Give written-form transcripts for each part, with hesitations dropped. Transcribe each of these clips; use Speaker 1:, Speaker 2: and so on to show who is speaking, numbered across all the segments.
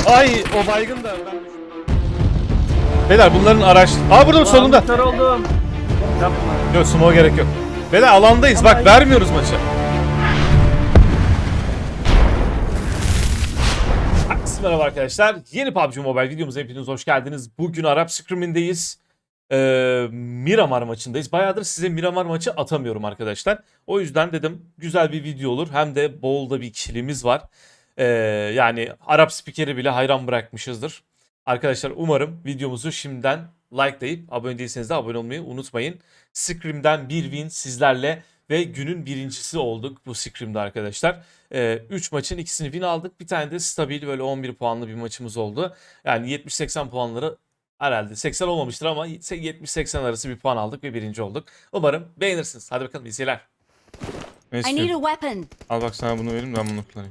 Speaker 1: Ay o baygın da ben düştüm. Beyler bunların araç... Aa burada solunda.
Speaker 2: Kör oldum. Yapma.
Speaker 1: Yok smoke'a gerek yok. Beyler alandayız bak vermiyoruz maçı. Merhaba arkadaşlar. Yeni PUBG Mobile videomuza hepiniz hoş geldiniz. Bugün Arap Scrim'indeyiz. Miramar maçındayız. Bayağıdır size Miramar maçı atamıyorum arkadaşlar. O yüzden dedim güzel bir video olur. Hem de bolda bir killimiz var. Yani Arap spikeri bile hayran bırakmışızdır. Arkadaşlar umarım videomuzu şimdiden likelayıp abone değilseniz de abone olmayı unutmayın. Scrim'den bir win sizlerle ve günün birincisi olduk bu Scrim'de arkadaşlar. 3 maçın ikisini win aldık. Bir tane de stabil böyle 11 puanlı bir maçımız oldu. Yani 70-80 puanları herhalde 80 olmamıştır ama 70-80 arası bir puan aldık ve birinci olduk. Umarım beğenirsiniz. Hadi bakalım iyi seyirler.
Speaker 3: I need a weapon.
Speaker 1: Al bak sana bunu vereyim ben bunu kullanayım.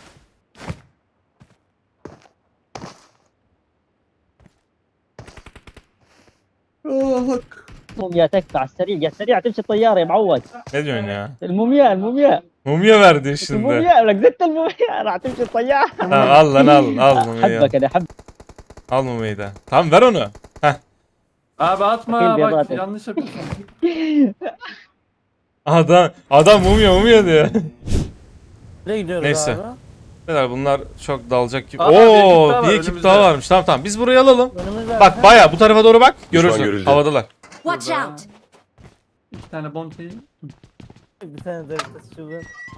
Speaker 4: موميا تكفى على السريع يا سريع تمشي الطياره يا معود.
Speaker 1: Ne diyorsun ya?
Speaker 4: الموميا
Speaker 1: Mumya verdi şimdi.
Speaker 4: الموميا لك زدت الموميا راح تمشي الطياره.
Speaker 1: Tamam, al lan al mumyayı.
Speaker 4: حبك انا حب.
Speaker 1: Al mumyayı da. Tamam ver onu. Heh.
Speaker 2: Abi atma
Speaker 4: Bakayım, bir
Speaker 2: bak
Speaker 4: adım.
Speaker 2: yanlış yapıyorsun.
Speaker 1: Adam mumya diyor.
Speaker 4: Nereye gidiyoruz
Speaker 1: Neyse.
Speaker 4: abi?
Speaker 1: Neler bunlar çok dalacak gibi.
Speaker 2: Aa, bir ekip
Speaker 1: Oo
Speaker 2: daha var
Speaker 1: bir ekip
Speaker 2: önümüzde.
Speaker 1: daha varmış. Tamam biz burayı alalım.
Speaker 4: Önümüzde
Speaker 1: Bak baya bu tarafa doğru bak. Görürsün.
Speaker 5: görüldü.
Speaker 1: Havadalar.
Speaker 3: Watch
Speaker 2: Burada.
Speaker 3: out.
Speaker 2: İki tane bounty.
Speaker 4: bir tane de şuradan.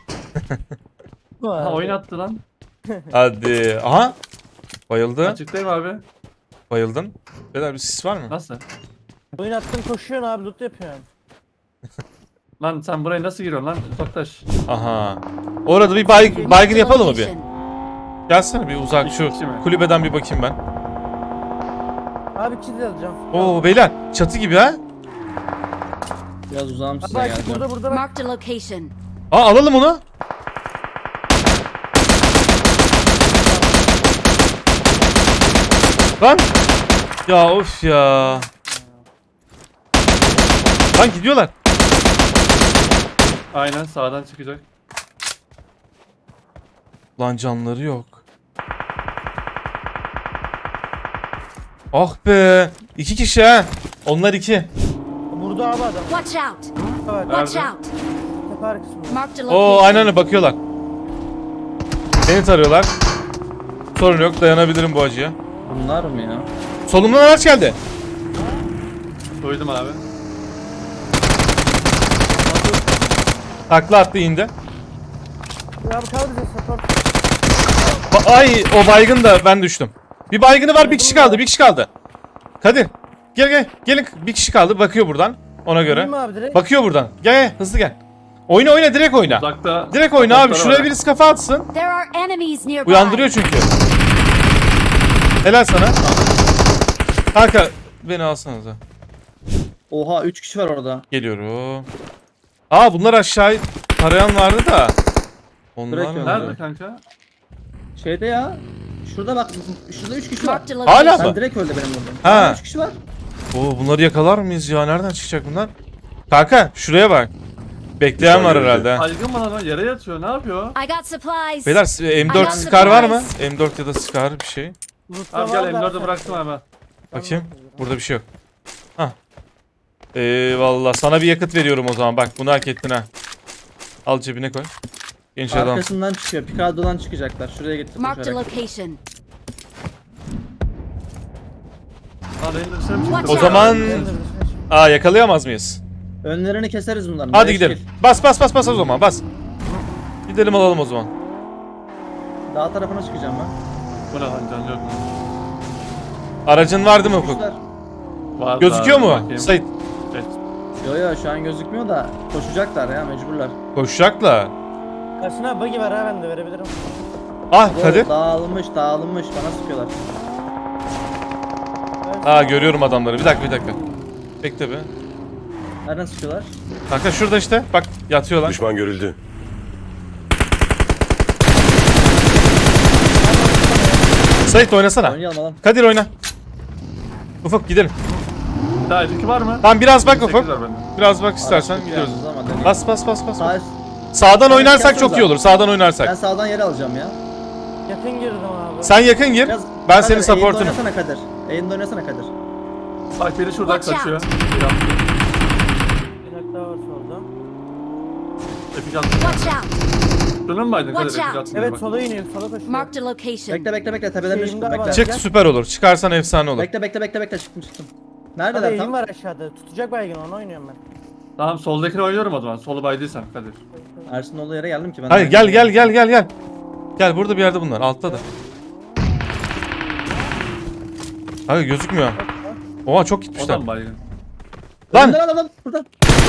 Speaker 2: Ha oyun attı lan.
Speaker 1: Hadi. Aha. Bayıldı.
Speaker 2: Açıktayım abi.
Speaker 1: Bayıldın. Neler bir sis var mı?
Speaker 2: Nasıl?
Speaker 4: Oyun attın koşuyorsun abi loot yapıyorsun.
Speaker 2: Lan sen buraya nasıl giriyorsun lan? Toktaş.
Speaker 1: Aha. Orada bir baygın yapalım mı bir?
Speaker 3: Location.
Speaker 1: Gelsene bir uzak şu
Speaker 2: İki mi?
Speaker 1: kulübeden bir bakayım ben.
Speaker 4: Abi kill alacağım.
Speaker 1: Oo beyler çatı gibi ha.
Speaker 6: Biraz uzağım size
Speaker 4: Bak
Speaker 6: geleceğim.
Speaker 4: burada bak.
Speaker 3: Marked a location.
Speaker 1: Aa alalım onu. Lan. Ya of ya. Lan gidiyorlar.
Speaker 2: Aynen sağdan çıkacak.
Speaker 1: Lan canları yok. Ah be. 2 kişi ha. Onlar 2.
Speaker 4: Burada abi adam.
Speaker 3: Watch out.
Speaker 4: Evet.
Speaker 3: Watch
Speaker 2: Nerede?
Speaker 3: out.
Speaker 4: Tepe arkasında.
Speaker 3: Marked a
Speaker 1: Oo
Speaker 3: location.
Speaker 1: aynen öyle bakıyorlar. Beni tarıyorlar. Sorun yok dayanabilirim bu acıya.
Speaker 6: Bunlar mı ya?
Speaker 1: Solumdan araç geldi.
Speaker 2: Duydum abi.
Speaker 1: Takla attı indi.
Speaker 4: Ya abi kaldı bize support.
Speaker 1: Ay o baygın da ben düştüm. Bir baygını var bir kişi kaldı bir kişi kaldı. Kadir gelin bir kişi kaldı bakıyor buradan ona göre.
Speaker 4: Değil mi abi direkt?
Speaker 1: Bakıyor buradan gel hızlı gel. Oyna direkt oyna.
Speaker 2: Uzakta.
Speaker 1: Direkt oyna abi
Speaker 2: Uzaklara
Speaker 1: şuraya
Speaker 2: bak.
Speaker 1: birisi kafa atsın.
Speaker 3: There are enemies nearby.
Speaker 1: Uyandırıyor çünkü. Helal sana. Kanka beni alsanıza.
Speaker 6: Oha 3 kişi var orada.
Speaker 1: Geliyorum. Aa bunlar aşağı tarayan vardı da. Onlar
Speaker 6: Bırak
Speaker 1: mı?
Speaker 6: ya.
Speaker 2: Nerede kanka?
Speaker 6: Şeyde ya. Şurada bak. Şurada 3 kişi var.
Speaker 3: Marked a location.
Speaker 1: Hala
Speaker 6: Sen
Speaker 1: mı?
Speaker 6: direkt öldü benim vurdum.
Speaker 1: Ha.
Speaker 6: 3 kişi var.
Speaker 1: Oo bunları yakalar mıyız ya? Nereden çıkacak bunlar? Kanka şuraya bak. Bekleyen var
Speaker 5: görüldü.
Speaker 1: herhalde.
Speaker 2: Aygın bana lan yere yatıyor ne yapıyor?
Speaker 3: I got supplies.
Speaker 1: Beyler M4
Speaker 3: got
Speaker 1: Scar var mı?
Speaker 3: supplies.
Speaker 1: M4 ya da Scar bir şey.
Speaker 4: Loot'ta
Speaker 2: Abi gel
Speaker 4: var da-
Speaker 2: M4'ü bıraktım abi.
Speaker 1: Bakayım. Burada bir şey yok. Hah. Eyvallah. Sana bir yakıt veriyorum o zaman. Bak bunu hak ettin ha. Al cebine koy. Genç adam.
Speaker 6: Arkasından çıkıyor. Picado'dan çıkacaklar. Şuraya gitti
Speaker 3: Marked a
Speaker 6: koşarak.
Speaker 3: location.
Speaker 2: Lan benim dışarı mı
Speaker 3: Watch
Speaker 2: çıktı?
Speaker 1: O
Speaker 3: out.
Speaker 1: zaman... Aa yakalayamaz mıyız?
Speaker 6: Önlerini keseriz bunların.
Speaker 1: Hadi
Speaker 6: Beş
Speaker 1: gidelim.
Speaker 6: kill.
Speaker 1: Bas o zaman bas. Gidelim alalım o zaman.
Speaker 6: Dağ tarafına çıkacağım ben.
Speaker 2: Bu ne lan can yok mu?
Speaker 1: Aracın vardı mı Ufuk?
Speaker 6: Kuşlar.
Speaker 2: Vardı
Speaker 1: Gözüküyor
Speaker 2: abi,
Speaker 1: mu?
Speaker 2: bakayım.
Speaker 1: Sait.
Speaker 2: Evet.
Speaker 6: Yo şu an gözükmüyor da koşacaklar ya mecburlar.
Speaker 1: Koşacaklar.
Speaker 4: Karşına buggy var ha ben de verebilirim.
Speaker 1: Ah
Speaker 6: Oo,
Speaker 1: Kadir.
Speaker 6: dağılmış bana sıkıyorlar.
Speaker 1: Aa görüyorum adamları. Bir dakika. Bekle be.
Speaker 6: Nereden sıkıyorlar?
Speaker 1: Kanka şurada işte. Bak yatıyorlar.
Speaker 5: Düşman görüldü.
Speaker 1: Sait oynasana.
Speaker 6: Oynayalım alalım.
Speaker 1: Kadir oyna. Ufuk gidelim.
Speaker 2: Daha öteki var mı?
Speaker 1: Tamam biraz bak
Speaker 2: 28
Speaker 1: Ufuk.
Speaker 2: var bende.
Speaker 1: Biraz bak istersen
Speaker 6: Araç
Speaker 1: gidiyoruz.
Speaker 6: yalnız ama deneyelim.
Speaker 1: Bas.
Speaker 6: Sağ,
Speaker 1: Sağdan
Speaker 6: Evet,
Speaker 1: oynarsak
Speaker 6: yapsanıza.
Speaker 1: çok iyi olur. Sağdan
Speaker 6: ben
Speaker 1: oynarsak.
Speaker 6: sağdan yer alacağım ya.
Speaker 4: Yakın girdim abi.
Speaker 1: Sen yakın gir.
Speaker 6: Biraz-
Speaker 1: Ben
Speaker 6: Kadir,
Speaker 1: senin supportunum.
Speaker 6: Eğimde oynasana Kadir. Eğimde oynasana Kadir.
Speaker 2: Bak biri şuradan
Speaker 3: Watch
Speaker 2: kaçıyor.
Speaker 3: out.
Speaker 2: Bir attı.
Speaker 4: Bir dakika daha var solda.
Speaker 2: Epik attı.
Speaker 3: Watch out.
Speaker 2: Şunun mu aydın Kadir?
Speaker 3: Watch
Speaker 2: Epik
Speaker 3: out.
Speaker 2: attı.
Speaker 4: Evet
Speaker 2: Bak.
Speaker 4: sola iniyor. Sola koşuyor.
Speaker 3: Marked a location.
Speaker 6: Bekle tepeden
Speaker 4: Şeyim
Speaker 6: düştüm
Speaker 4: daha var.
Speaker 6: bekle.
Speaker 1: Çık süper olur. Çıkarsan efsane olur.
Speaker 6: Bekle çıktım.
Speaker 4: Hadi
Speaker 6: Neredeler
Speaker 4: eğim
Speaker 6: tam?
Speaker 4: var aşağıda. Tutacak baygın onu oynuyorum ben.
Speaker 2: Tamam soldakini oynuyorum o zaman. Solu baydıysan Kadir.
Speaker 6: Ersin olduğu yere geldim ki ben.
Speaker 1: Hayır gel. Gel burada bir yerde bunlar. Altta da. Hayır gözükmüyor. Oha çok gitmişler.
Speaker 2: Odan baygın.
Speaker 1: Lan
Speaker 6: Lan burada.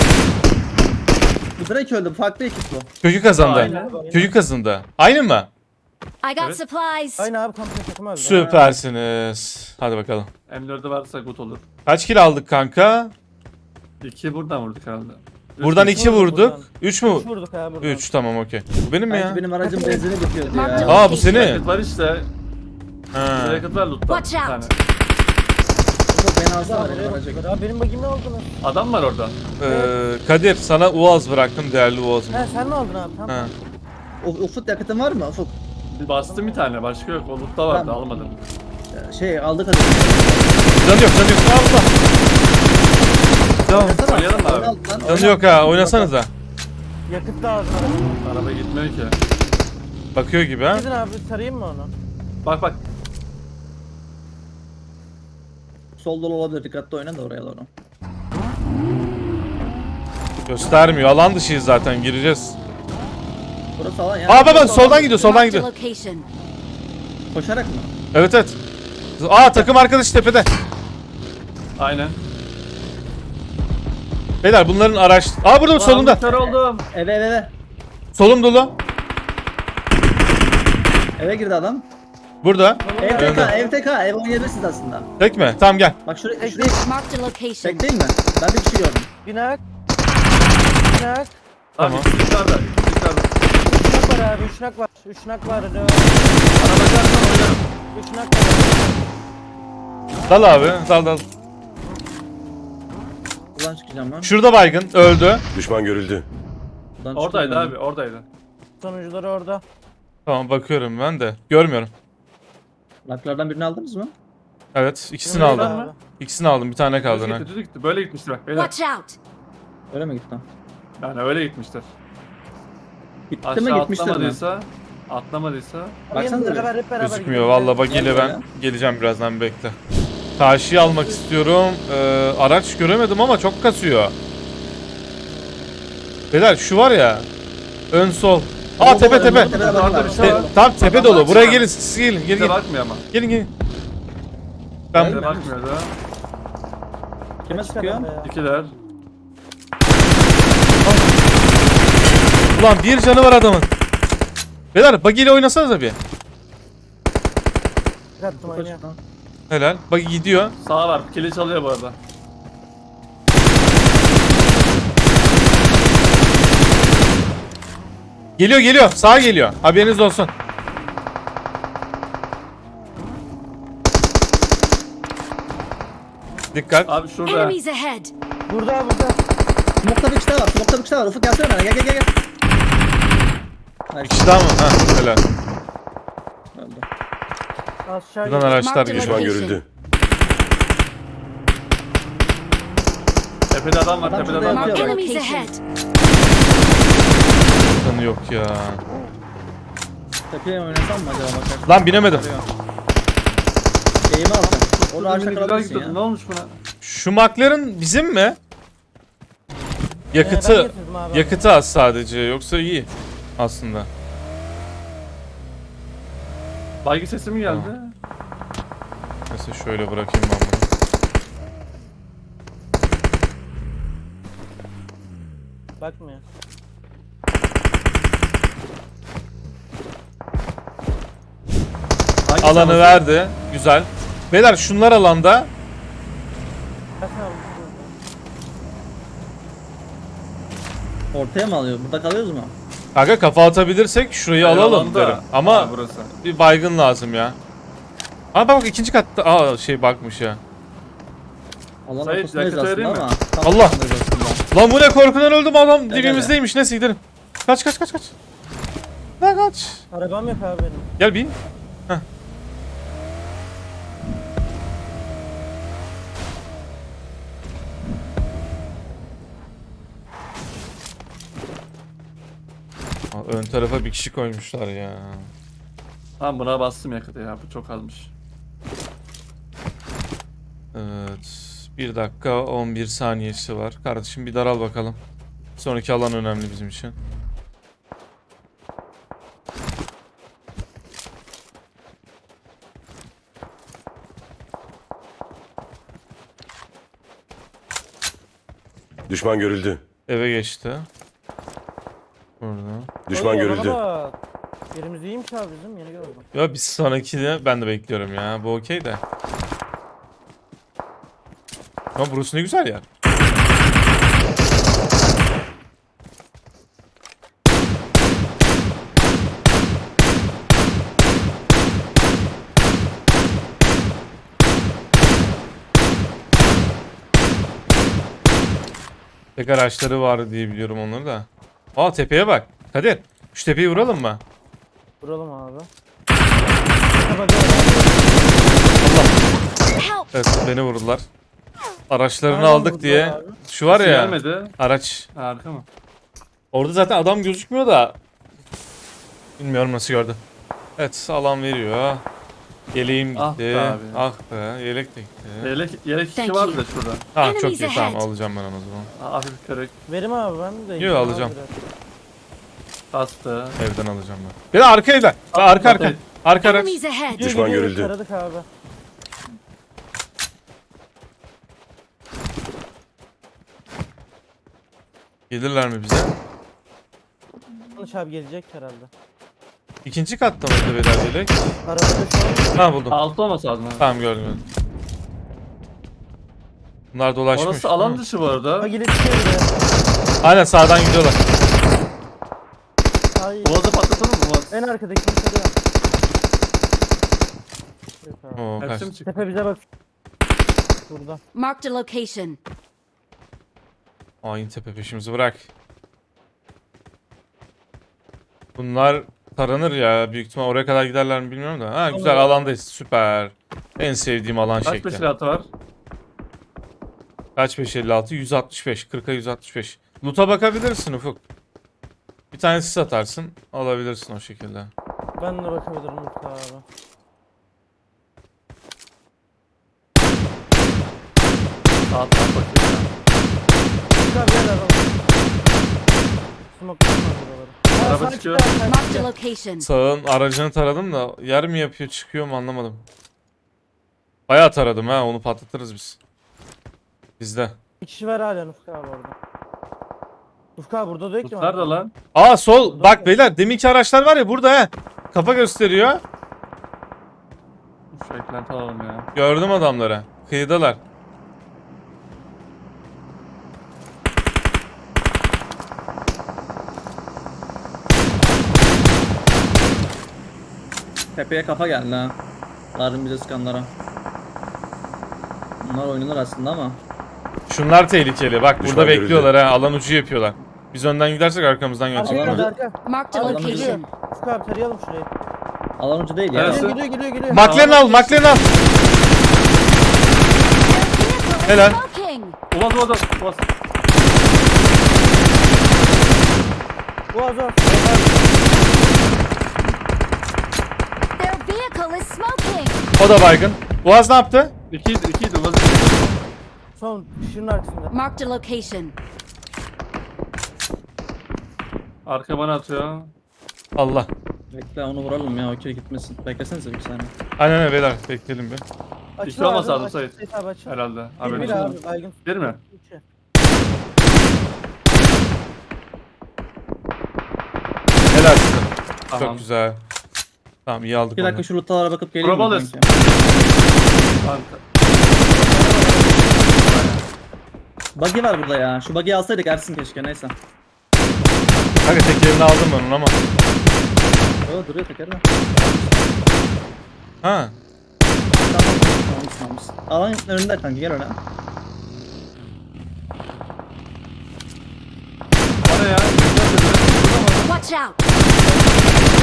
Speaker 6: Bu direkt öldü. Farklı ekip bu.
Speaker 1: kökü kazandı.
Speaker 2: Aynen.
Speaker 1: Kökü kazandı. Aynı mı?
Speaker 3: I got
Speaker 2: Evet.
Speaker 3: supplies.
Speaker 4: Aynı abi komple takım öldü.
Speaker 1: Süpersiniz. Hadi bakalım.
Speaker 2: M4'ü varsa gut olur.
Speaker 1: Kaç kill aldık kanka?
Speaker 2: 2 buradan vurduk herhalde.
Speaker 1: Buradan 2
Speaker 4: vurduk
Speaker 1: vurduk.
Speaker 4: buradan.
Speaker 1: 3 mü?
Speaker 4: Üç vurduk abi buradan.
Speaker 1: 3 tamam okey. Bu benim mi
Speaker 6: Belki
Speaker 1: ya?
Speaker 6: benim aracım benzini bitiyordu
Speaker 3: Marked
Speaker 6: ya.
Speaker 3: a
Speaker 1: Aa bu senin.
Speaker 2: Racket var işte.
Speaker 1: Ha.
Speaker 2: Racket var lootta.
Speaker 3: Watch
Speaker 2: Bir
Speaker 3: out.
Speaker 2: tane.
Speaker 6: Çok beni alsana
Speaker 4: Abi,
Speaker 6: benim aracı.
Speaker 4: abi benim bagim ne aldın?
Speaker 2: Adam var orada.
Speaker 1: Kadir sana Uaz bıraktım değerli Uaz'ım.
Speaker 4: He sen ne aldın abi? Tamam.
Speaker 1: Ha.
Speaker 6: Ufuk yakıtın var mı Ufuk?
Speaker 2: Bir bastım bir tane başka yok. O lootta vardı
Speaker 6: Tamam.
Speaker 2: almadım.
Speaker 6: Şey aldık hadi.
Speaker 1: Canı yok. Allah. Tamam.
Speaker 2: Oynayalım mı abi?
Speaker 1: Canı yok ha oynasanıza.
Speaker 4: Yakıt lazım.
Speaker 2: Araba gitmiyor ki.
Speaker 1: Bakıyor gibi ha.
Speaker 4: Gidin abi sarayım mı onu?
Speaker 2: Bak.
Speaker 6: Sol dolu olabilir dikkatli oyna da oraya doğru.
Speaker 1: Göstermiyor. Alan dışıyız zaten gireceğiz.
Speaker 6: Burası alan ya.
Speaker 1: Aa baba soldan gidiyor soldan
Speaker 3: Marked a
Speaker 1: gidiyor.
Speaker 3: location.
Speaker 6: Koşarak mı?
Speaker 1: Evet. Aa takım arkadaşı tepede.
Speaker 2: Aynen.
Speaker 1: Beyler bunların araç... Aa burada solunda.
Speaker 2: Kör oldum.
Speaker 6: Eve.
Speaker 1: Solum dolu.
Speaker 6: Eve girdi adam.
Speaker 1: Burada.
Speaker 6: Ev TK ev oynayabilirsiniz aslında.
Speaker 1: Tek mi? Tamam gel.
Speaker 6: Bak şuraya
Speaker 3: Marked a location.
Speaker 6: tek değil mi? Ben bir kişi gördüm.
Speaker 4: Binak. Binak.
Speaker 1: Tamam.
Speaker 2: Abi yukarıda. Yukarıda.
Speaker 4: Üçnak var abi. Üçnak var. Üçnak var.
Speaker 2: Araba çarpsan oynarım.
Speaker 4: Üçnak var.
Speaker 1: Dal abi. Dal.
Speaker 6: Buradan çıkacağım ben.
Speaker 1: Şurada baygın. Öldü.
Speaker 5: Düşman görüldü.
Speaker 6: Buradan
Speaker 2: Oradaydı
Speaker 6: çıkıyorum
Speaker 2: abi oradaydı.
Speaker 4: Sonucuları orada.
Speaker 1: Tamam bakıyorum ben de. Görmüyorum.
Speaker 6: ben. Laklardan birini aldınız mı?
Speaker 1: Evet ikisini
Speaker 4: Şurada
Speaker 1: aldım.
Speaker 4: abi.
Speaker 1: İkisini aldım. Bir tane kaldı.
Speaker 2: Düz
Speaker 1: Ne?
Speaker 2: gitti düz gitti. Böyle gitmiştir bak beyler.
Speaker 3: Watch out.
Speaker 6: Öyle mi gitti?
Speaker 2: Yani öyle gitmiştir.
Speaker 6: Gitti mi
Speaker 2: Aşağı
Speaker 6: gitmiştir mi?
Speaker 2: atlamadıysa.
Speaker 6: Baksana
Speaker 4: Hep
Speaker 6: bir.
Speaker 4: beraber
Speaker 1: Gözükmüyor.
Speaker 4: gidelim.
Speaker 1: Valla bak ile
Speaker 6: Nerede
Speaker 1: ben
Speaker 6: ya?
Speaker 1: geleceğim birazdan bekle. Karşıyı almak istiyorum. Araç göremedim ama çok kasıyor. Beyler şu var ya. Ön sol. Aa tepe tepe.
Speaker 2: Orada bir şey var.
Speaker 1: Tam tepe dolu. Buraya gelin. Siz gelin. Gelin
Speaker 2: Bize
Speaker 1: gelin.
Speaker 2: bakmıyor ama.
Speaker 1: Gelin.
Speaker 2: Bize
Speaker 1: Ben
Speaker 2: bakmıyordu.
Speaker 6: Kime
Speaker 4: Açık
Speaker 6: sıkıyor?
Speaker 4: adamda ya.
Speaker 2: İkiler.
Speaker 1: ulan bir canı var adamın. Beyler buggy ile oynasanıza bir.
Speaker 4: Kattım oynuyor.
Speaker 1: Helal. Buggy gidiyor.
Speaker 2: Sağa var. Kili çalıyor bu arada.
Speaker 1: Geliyor. Sağa geliyor. Haberiniz olsun. Dikkat.
Speaker 2: Abi şurada.
Speaker 3: Enemies ahead.
Speaker 4: Burada burada.
Speaker 6: Smoke'ta bir kişi daha var. Smoke'ta bir kişi daha var. Ufuk gelsene bana. Gel. Hayır.
Speaker 1: İşte ama. Ha, helal.
Speaker 6: Öldü.
Speaker 4: Aşağı
Speaker 1: Buradan
Speaker 4: gidiyor.
Speaker 1: araçlar
Speaker 3: Marked
Speaker 1: geliyor.
Speaker 5: Düşman
Speaker 3: location.
Speaker 5: görüldü.
Speaker 2: Tepede adam var.
Speaker 6: Adam
Speaker 2: Tepede
Speaker 6: şurada
Speaker 2: adam var.
Speaker 6: yatıyor.
Speaker 3: Enemies ahead.
Speaker 1: Canı yok ya.
Speaker 6: Tepeye oynasam mı acaba bakarsın?
Speaker 1: Lan binemedim.
Speaker 6: Eğimi alsam. Onu ağaçta
Speaker 2: Güzel
Speaker 6: kalabilirsin
Speaker 2: gidiyordu. Ne
Speaker 6: ya.
Speaker 2: olmuş buna?
Speaker 1: Şu McLaren bizim mi?
Speaker 4: Ben
Speaker 1: Yakıtı
Speaker 4: getirdim abi.
Speaker 1: yakıtı az sadece. Yoksa iyi aslında.
Speaker 2: Baygı sesi mi geldi?
Speaker 1: Mesela şöyle bırakayım ben bunu.
Speaker 4: Bakmıyor.
Speaker 2: Hangi
Speaker 1: Alanı
Speaker 2: sabası?
Speaker 1: verdi. Güzel. Beyler şunlar alanda.
Speaker 4: Bakma abi.
Speaker 6: Ortaya mı alıyor? Burada kalıyoruz mu?
Speaker 1: Kanka kafa atabilirsek şurayı
Speaker 2: Hayır,
Speaker 1: alalım
Speaker 2: alanda.
Speaker 1: derim. Ama
Speaker 2: Ha, burası.
Speaker 1: bir baygın lazım ya. Aa bak ikinci katta. Aa şey bakmış ya.
Speaker 6: Alan
Speaker 2: Sayın,
Speaker 6: ortasındayız
Speaker 2: yakıt
Speaker 6: aslında
Speaker 2: vereyim mi?
Speaker 6: ama. tam
Speaker 1: Allah!
Speaker 6: ortasındayız aslında.
Speaker 1: Lan bu ne korkudan öldüm adam
Speaker 6: Gel,
Speaker 1: dibimizdeymiş. Neyse gidelim. Kaç. Lan kaç.
Speaker 4: Arabam yok abi benim.
Speaker 1: Gel bin. Heh. Ön tarafa bir kişi koymuşlar ya.
Speaker 2: Tamam buna bastım yakıtı ya. Bu çok azmış.
Speaker 1: Evet. 1 dakika 11 saniyesi var. Kardeşim bir daral bakalım. Sonraki alan önemli bizim için.
Speaker 5: Düşman görüldü.
Speaker 1: Eve geçti. Burada.
Speaker 5: Düşman
Speaker 4: Oy,
Speaker 5: görüldü.
Speaker 4: araba. Yerimiz iyiymiş abi bizim. Yeni gördüm.
Speaker 1: Ya bir sonraki de ben de bekliyorum ya. Bu okey de. Ama burası ne güzel yer. Tek araçları var diye biliyorum onları da. Aa tepeye bak. Kadir. Şu tepeyi vuralım mı?
Speaker 4: Vuralım abi.
Speaker 3: Help!
Speaker 1: Evet beni vurdular. Araçlarını
Speaker 4: Nereden
Speaker 1: aldık
Speaker 4: vurdular
Speaker 1: diye.
Speaker 4: abi?
Speaker 1: Şu var ya.
Speaker 2: Gelmedi.
Speaker 1: Araç.
Speaker 2: Harika mı?
Speaker 1: Orada zaten adam gözükmüyor da. Bilmiyorum nasıl gördü. Evet alan veriyor. Yeleğim gitti.
Speaker 2: Ah be abi.
Speaker 1: Ah be yelek de gitti.
Speaker 2: Yelek
Speaker 3: Thank
Speaker 2: kişi vardı
Speaker 3: you.
Speaker 2: da şurada.
Speaker 1: Tamam çok
Speaker 3: Enemies
Speaker 1: iyi tamam
Speaker 3: ahead.
Speaker 1: alacağım ben onu o zaman.
Speaker 2: Hafif kırık.
Speaker 4: Verim abi ben de.
Speaker 1: Yo,
Speaker 4: yiyeyim abi
Speaker 1: alacağım.
Speaker 4: biraz.
Speaker 2: Bastı.
Speaker 1: Evden alacağım ben. Bir de arkayla. Arka arka. Arka araç.
Speaker 3: Enemies ahead!
Speaker 5: Düşman
Speaker 4: Gidiyor,
Speaker 5: görüldü.
Speaker 4: Taradık abi.
Speaker 1: Gelirler mi bize?
Speaker 4: Yanlış abi gelecek herhalde.
Speaker 1: İkinci katta mıydı beyler yelek?
Speaker 4: Arabada şu an
Speaker 1: Ha buldum.
Speaker 2: Altı olması lazım. ha.
Speaker 1: Tamam gördüm. gördüm. Bunlar dolaşmış.
Speaker 2: Orası alan
Speaker 1: Hı.
Speaker 2: dışı bu arada.
Speaker 4: Ha gelip şey de.
Speaker 1: Aynen sağdan gidiyorlar.
Speaker 4: Ay,
Speaker 2: Boğazı patlatalım mı? Boğaz.
Speaker 4: en arkadaki kimse de. Yok abi.
Speaker 1: Oo, kaç.
Speaker 2: Hepsi mi çıktı?
Speaker 4: Tepe bize bak. Burada.
Speaker 3: Marked a location.
Speaker 1: Hain tepe peşimizi bırak. Bunlar taranır ya. Büyük ihtimal oraya kadar giderler mi bilmiyorum da. Ha güzel alandayız. Süper. En sevdiğim alan
Speaker 2: Kaç
Speaker 1: şekli.
Speaker 2: peşilatı var?
Speaker 1: Kaç 556? 165. 40'a 165. Loot'a bakabilirsin Ufuk. Bir tanesi satarsın. Alabilirsin o şekilde.
Speaker 4: Ben de bakabilirim Mutlu abi.
Speaker 2: Sağ taraf bakıyor ya.
Speaker 4: Mutlu abi gel araba. Smoke tutmaz buraları.
Speaker 2: Araba
Speaker 4: sağ
Speaker 2: çıkıyor.
Speaker 4: çıktı abi, sağ
Speaker 3: Marked a
Speaker 4: çıktı.
Speaker 3: location.
Speaker 1: Sağın aracını taradım da yer mi yapıyor çıkıyor mu anlamadım. Bayağı taradım ha onu patlatırız biz. Bizde.
Speaker 4: Bir kişi var hala Ufuk abi orada. Ufuk abi burada da yok ki.
Speaker 2: Tut nerede lan?
Speaker 1: Aa sol bak beyler deminki araçlar var ya burada he. Kafa gösteriyor.
Speaker 2: Şu eklenti alalım ya.
Speaker 1: Gördüm adamları. Kıyıdalar.
Speaker 6: Tepeye kafa geldi ha. Vardım bize sıkanlara. Bunlar oynanır aslında ama.
Speaker 1: Şunlar tehlikeli. Bak
Speaker 5: Düşman
Speaker 1: burada
Speaker 5: görüldü.
Speaker 1: bekliyorlar ha. Alan ucu yapıyorlar. Biz önden gidersek arkamızdan
Speaker 4: Arka
Speaker 1: gelecekler.
Speaker 4: geldi
Speaker 6: Alalım.
Speaker 4: arka.
Speaker 3: Marked a
Speaker 4: Adam
Speaker 3: location.
Speaker 4: geliyor. Ufuk abi tarayalım şurayı.
Speaker 6: Alan ucu değil ya.
Speaker 2: Evet.
Speaker 4: Geliyor geliyor.
Speaker 1: McLaren al, McLaren al. Helal.
Speaker 3: Smoking!
Speaker 2: Boğaz. Boğaz.
Speaker 4: Boğaz var.
Speaker 3: Their vehicle is smoking!
Speaker 1: O da baygın. Boğaz ne yaptı?
Speaker 2: İkiydi. Boğaz.
Speaker 4: Son şunun arkasında.
Speaker 3: Marked a location.
Speaker 2: Arka bana atıyor.
Speaker 1: Allah.
Speaker 6: Bekle onu vuralım ya o kill gitmesin. Beklesenize bir saniye.
Speaker 1: Aynen öyle beyler. Bekleyelim bir.
Speaker 4: Açıl
Speaker 2: olmasa
Speaker 4: abi,
Speaker 2: aldım
Speaker 4: açıl.
Speaker 2: Sait.
Speaker 4: Sait abi açıl.
Speaker 2: Herhalde.
Speaker 4: Bir
Speaker 2: Haberin
Speaker 4: bir
Speaker 2: olsun.
Speaker 4: abi baygın.
Speaker 2: Bir mi?
Speaker 4: İki.
Speaker 1: Helal size.
Speaker 2: Tamam.
Speaker 1: Çok güzel. Tamam iyi aldık
Speaker 6: Bir dakika
Speaker 1: onu.
Speaker 6: şu lootlara bakıp geleyim mi
Speaker 2: Probalız.
Speaker 6: kanki?
Speaker 2: Arka.
Speaker 6: Buggy var burada ya. Şu buggy'yi alsaydık Ersin keşke neyse.
Speaker 1: Kanka tekerini aldım ben onu ama.
Speaker 6: Yo duruyor tekerle.
Speaker 1: Ha.
Speaker 6: Tamam. Alan önünde kanki gel öyle.
Speaker 2: Bana ya.
Speaker 3: Watch out!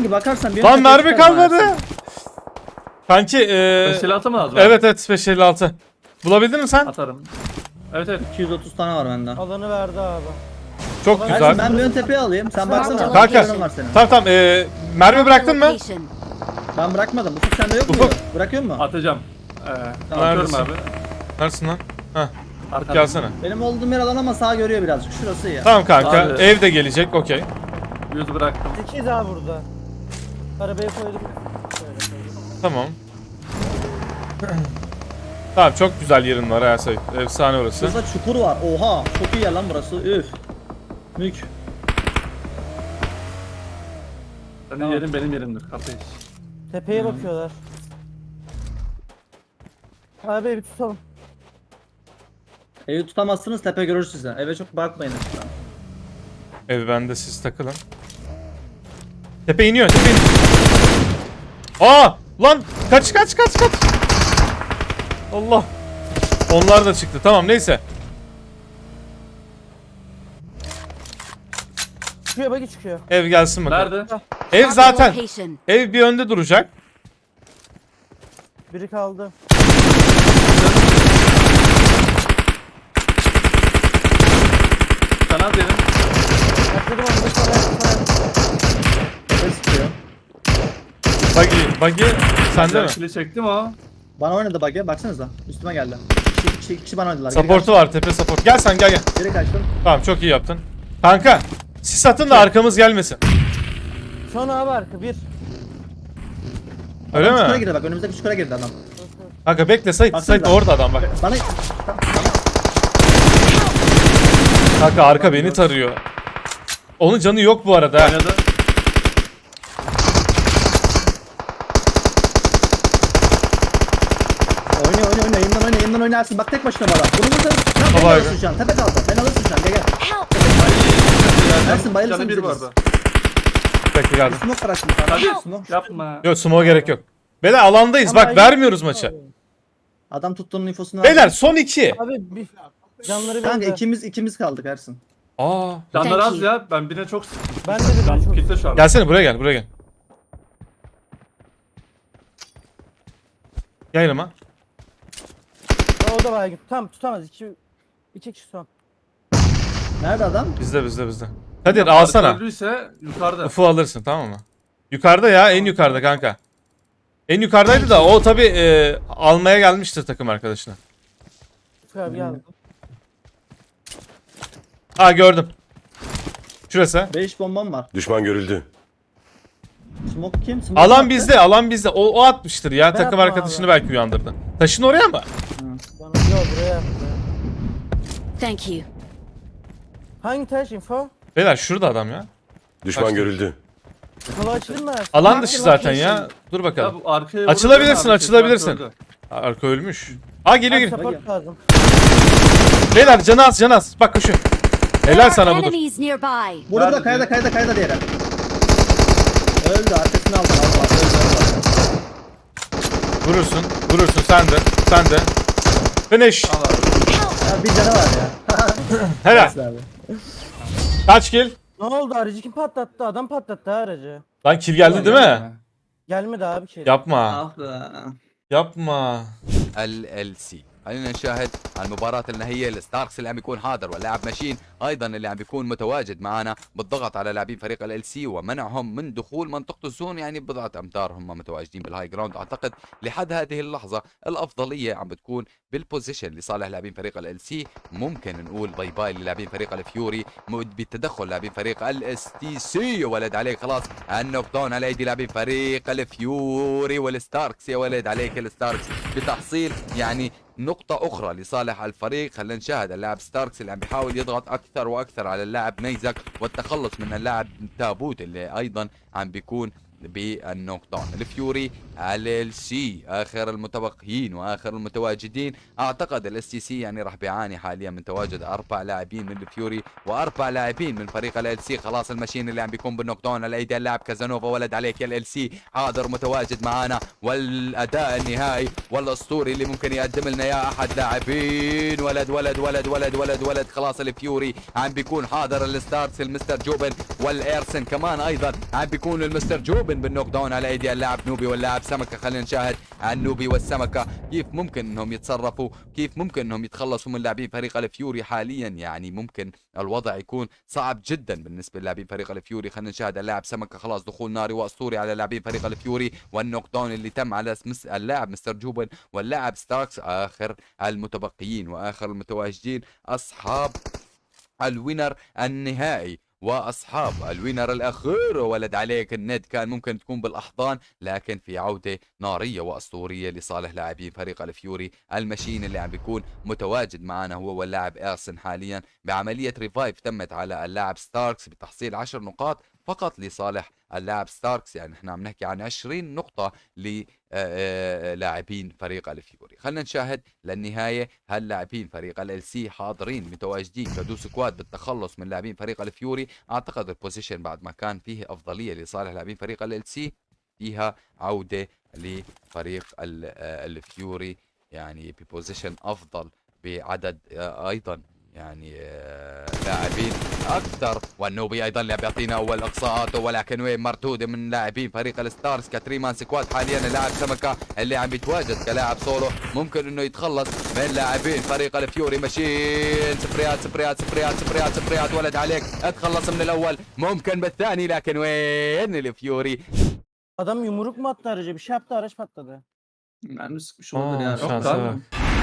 Speaker 6: Kanki bakarsan bir
Speaker 1: Lan
Speaker 6: ön tepeye
Speaker 1: mermi
Speaker 6: çıkarım
Speaker 1: kalmadı.
Speaker 6: Ersin.
Speaker 1: Kanki
Speaker 2: Silahı mı lazım?
Speaker 1: evet evet 556. Bulabildin mi sen?
Speaker 2: Atarım. Evet evet.
Speaker 6: 230 tane var bende.
Speaker 4: Alanı verdi abi.
Speaker 1: Çok
Speaker 6: Ersin
Speaker 1: güzel.
Speaker 6: ben bir ön tepeye alayım. Sen baksana.
Speaker 3: Kanka.
Speaker 6: Kanka. Var senin.
Speaker 1: Tamam tamam. Mermi bıraktın mı?
Speaker 3: Location.
Speaker 6: Ben bırakmadım. Ufuk sende yok mu?
Speaker 1: Ufuk.
Speaker 6: Bırakıyor mu?
Speaker 2: Atacağım.
Speaker 6: Tamam,
Speaker 2: Atıyorum
Speaker 1: neredesin?
Speaker 2: abi.
Speaker 1: Neredesin lan? Heh,
Speaker 2: Arkadan.
Speaker 1: gelsene.
Speaker 6: Benim olduğum yer alan ama sağ görüyor birazcık. Şurası ya.
Speaker 1: Tamam kanka.
Speaker 2: Abi.
Speaker 1: Ev de gelecek. Okey.
Speaker 2: Yüzü bıraktım.
Speaker 4: İkiyiz abi burada. Arabaya koyduk. Şöyle koyduk.
Speaker 1: Tamam. Tamam çok güzel yerin var ha Sait. Efsane orası.
Speaker 6: Şurada çukur var. Oha. Çok iyi yer lan burası. Üf. Mük.
Speaker 2: Senin
Speaker 6: Tamam.
Speaker 2: yerin benim yerimdir kardeş.
Speaker 4: Tepeye bakıyorlar. Abi bir tutalım.
Speaker 6: Evi tutamazsınız tepe görür size. Eve çok bakmayın lütfen.
Speaker 1: Ev bende siz takılın. Tepe iniyor. Tepe iniyor. Aa! Lan! Kaç! Allah! Onlar da çıktı. Tamam neyse.
Speaker 4: Çıkıyor bagi çıkıyor.
Speaker 1: Ev gelsin bakalım.
Speaker 2: Nerede?
Speaker 1: Ev
Speaker 3: Marked
Speaker 1: zaten.
Speaker 3: location.
Speaker 1: Ev bir önde duracak.
Speaker 4: Biri kaldı.
Speaker 2: Sana dedim.
Speaker 4: Atladım onu. Sana.
Speaker 6: Tepe sıkıyor.
Speaker 1: Buggy sende mi?
Speaker 2: Kili çektim o.
Speaker 6: Bana oynadı bug'e. Baksanıza. Üstüme geldi. İki kişi bana oynadılar.
Speaker 1: Support'u var. Tepe support. Gel sen gel.
Speaker 6: Geri kaçtım.
Speaker 1: Tamam çok iyi yaptın. Kanka. Sis atın da arkamız gelmesin.
Speaker 4: Son abi arka bir.
Speaker 1: Öyle
Speaker 6: Adam çukura
Speaker 1: mi?
Speaker 6: girdi bak. Önümüzdeki çukura girdi adam.
Speaker 1: Kanka bekle Sait.
Speaker 6: Baksana.
Speaker 1: Sait orada adam bak.
Speaker 6: Bana...
Speaker 1: Kanka arka beni tarıyor. Onun canı yok bu arada. ha.
Speaker 2: Oynadı.
Speaker 6: Oyna. Yayından oynarsın. Bak tek başına bana. Bunu vursanız. Tamam
Speaker 1: Baba
Speaker 6: ben
Speaker 1: abi.
Speaker 6: alırsın şu an. Tepe kaldı. Ben alırsın şu an. Gel.
Speaker 3: Help!
Speaker 6: Ersin bayılırsın
Speaker 2: Canı bir
Speaker 6: bize
Speaker 2: vardı.
Speaker 1: Bekle geldim.
Speaker 6: Smoke bıraktım sana.
Speaker 2: Hadi.
Speaker 6: Smoke.
Speaker 2: Yapma.
Speaker 1: Yok smoke gerek yok. Beyler alandayız.
Speaker 4: Ama
Speaker 1: Bak vermiyoruz maçı.
Speaker 6: Adam tuttuğunun infosunu
Speaker 1: Beyler son 2.
Speaker 4: Abi bir. Canları
Speaker 6: Kanka
Speaker 4: bende.
Speaker 6: ikimiz kaldık Ersin.
Speaker 1: Aa.
Speaker 2: Canlar
Speaker 3: Thank
Speaker 2: az
Speaker 3: you.
Speaker 2: ya. Ben birine çok sıktım.
Speaker 4: Ben de birine
Speaker 2: Can
Speaker 4: çok
Speaker 2: kitle şu an.
Speaker 1: Gelsene buraya gel. Gel yanıma.
Speaker 4: O da bayağı tam tutamaz. İki kişi son.
Speaker 6: Nerede adam?
Speaker 1: Bizde. Kadir alsana.
Speaker 2: Öldüyse yukarıda.
Speaker 1: Ufu alırsın tamam mı? Yukarıda ya en yukarıda kanka. En yukarıdaydı da o tabi almaya gelmiştir takım arkadaşına.
Speaker 4: Abi geldi.
Speaker 1: Aa gördüm. Şurası.
Speaker 6: 5 bombam var.
Speaker 5: Düşman görüldü.
Speaker 6: Smoke kim? Smoke
Speaker 1: Alan
Speaker 6: attı.
Speaker 1: bizde. O atmıştır ya. Takım
Speaker 4: attım
Speaker 1: arkadaşını
Speaker 4: abi.
Speaker 1: belki uyandırdı. Taşın oraya mı?
Speaker 4: Bana yok buraya yaptı.
Speaker 3: Thank you.
Speaker 4: Hangi taş info?
Speaker 1: Beyler şurada adam ya.
Speaker 5: Düşman
Speaker 1: Kaçtı.
Speaker 5: görüldü.
Speaker 4: Kola açılır mı?
Speaker 1: Alan dışı zaten ya. Dur
Speaker 2: Ya
Speaker 1: bakalım.
Speaker 2: bu arkaya
Speaker 1: Açılabilirsin,
Speaker 2: vurdu,
Speaker 1: açılabilirsin.
Speaker 2: öldü.
Speaker 1: Arka ölmüş. Aa geliyor.
Speaker 4: Support lazım.
Speaker 1: Beyler canı az. Bak koşuyor.
Speaker 3: There
Speaker 1: Helal
Speaker 3: are
Speaker 1: sana budur.
Speaker 3: enemies nearby.
Speaker 6: Burada
Speaker 2: Nerede
Speaker 6: kayada diğeri. Öldü arkasını aldı. Öldü.
Speaker 1: Vurursun sen de. Finish.
Speaker 2: Al abi.
Speaker 6: Ya bir canı var ya.
Speaker 1: Helal.
Speaker 6: Neyse abi.
Speaker 1: Kaç kill?
Speaker 4: Ne oldu aracı kim patlattı? Adam patlattı ha aracı.
Speaker 1: Lan kill geldi değil mi?
Speaker 4: Gelmedi abi ki.
Speaker 1: Yapma.
Speaker 6: Ah be.
Speaker 1: Yapma.
Speaker 7: LLC خلينا نشاهد المباراة النهائية الستاركس اللي عم بيكون حاضر واللاعب ماشين ايضا اللي عم بيكون متواجد معنا بالضغط على لاعبين فريق LLC ومنعهم من دخول منطقة الزون يعني بضعة امتار هم متواجدين بالهاي جراوند. اعتقد لحد هذه اللحظة الافضلية عم بتكون بالبوزيشن لصالح لاعبين فريق LLC. ممكن نقول باي باي للاعبين فريق الفيوري بتدخل لاعبين فريق STC. يا ولد عليك خلاص النوك داون على ايدي لاعبين فريق الفيوري والستاركس. يا ولد عليك الستاركس بتحصيل يعني نقطة أخرى لصالح الفريق. خلينا نشاهد اللاعب ستاركس اللي عم بيحاول يضغط أكثر وأكثر على اللاعب نيزك والتخلص من اللاعب تابوت اللي أيضا عم بيكون بالنوك داون. الفيوري LLC آخر المتبقيين وآخر المتواجدين. أعتقد STC يعني راح بيعاني حاليا من تواجد 4 لاعبين من الفيوري و4 لاعبين من فريق LLC. خلاص الماشين اللي عم بيكون بالنوك داون على ايدي اللاعب كازانوفا. ولد عليك يا LLC حاضر متواجد معنا والأداء النهائي والأسطوري اللي ممكن يقدم لنا يا أحد لاعبين. ولد خلاص الفيوري عم بيكون حاضر. الستارز المستر جوبن والإيرسن كمان أيضا عم بيكون المستر جوبن استرجوبن بالنوك داون على ايدي اللاعب نوبي واللاعب سمكه. خلينا نشاهد النوبي والسمكه كيف ممكن انهم يتصرفوا، كيف ممكن انهم يتخلصوا من لاعبين فريق الفيوري حاليا. يعني ممكن الوضع يكون صعب جدا بالنسبه للاعبين فريق الفيوري. خلينا نشاهد اللاعب سمكه خلاص دخول ناري واسطوري على لاعبين فريق الفيوري، والنوك داون اللي تم على اللاعب مستر جوبن واللاعب ستاركس. اخر المتبقيين واخر المتواجدين اصحاب الوينر النهائي واصحاب الوينر الاخير. ولد عليك الند كان ممكن تكون بالاحضان، لكن في عوده ناريه واسطوريه لصالح لاعبين فريق الفيوري. المشين اللي عم بيكون متواجد معنا هو واللاعب ايرسن حاليا بعمليه ريفايف تمت على اللاعب ستاركس بتحصيل 10 نقاط فقط لصالح اللاعب ستاركس. يعني احنا عم نحكي عن 20 نقطة للاعبين فريق الفيوري. خلينا نشاهد للنهاية هل لاعبين فريق ال سي حاضرين متواجدين كدو سكواد بالتخلص من لاعبين فريق الفيوري. اعتقد البوزيشن بعد ما كان فيه افضلية لصالح لاعبين فريق ال سي فيها عودة لفريق الفيوري، يعني ببوزيشن افضل بعدد ايضا يعني لاعبين اكثر. والنوبي ايضا اللي بيعطينا اول اقصاءاته، ولكن وين مردوده من لاعبين فريق الستارز كتريمان سكواد. حاليا اللاعب سمكه اللي عم بيتواجد كلاعب سولو ممكن انه يتخلص من لاعبين فريق الفيوري. ماشيين سبريات سبريات سبريات سبريات سبريات. ولد عليك اتخلص من الاول ممكن بالثاني، لكن وين الفيوري.
Speaker 4: Adam yumruk mu attı araca? Bir şey yaptı, araç patladı.
Speaker 6: Yani sıkmış olabilir yani.
Speaker 1: şansa
Speaker 2: abi.
Speaker 1: bak.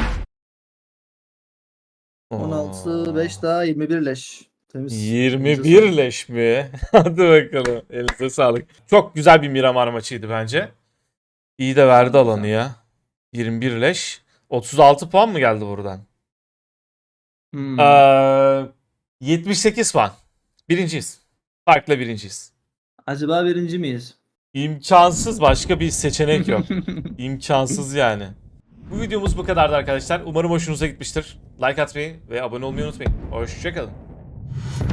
Speaker 6: 16 5 daha 21 leş. Temiz.
Speaker 1: 21 leş mi? Hadi bakalım. Elinize sağlık. Çok güzel bir Miramar maçıydı bence. İyi de verdi alanı ya. 21 leş. 36 puan mı geldi buradan?
Speaker 2: Hmm.
Speaker 1: 78 puan. Birinciyiz. Farkla birinciyiz.
Speaker 6: Acaba birinci miyiz?
Speaker 1: İmkansız, başka bir seçenek yok. İmkansız yani. Bu videomuz bu kadardı arkadaşlar. Umarım hoşunuza gitmiştir. Like atmayı ve abone olmayı unutmayın. Hoşçakalın.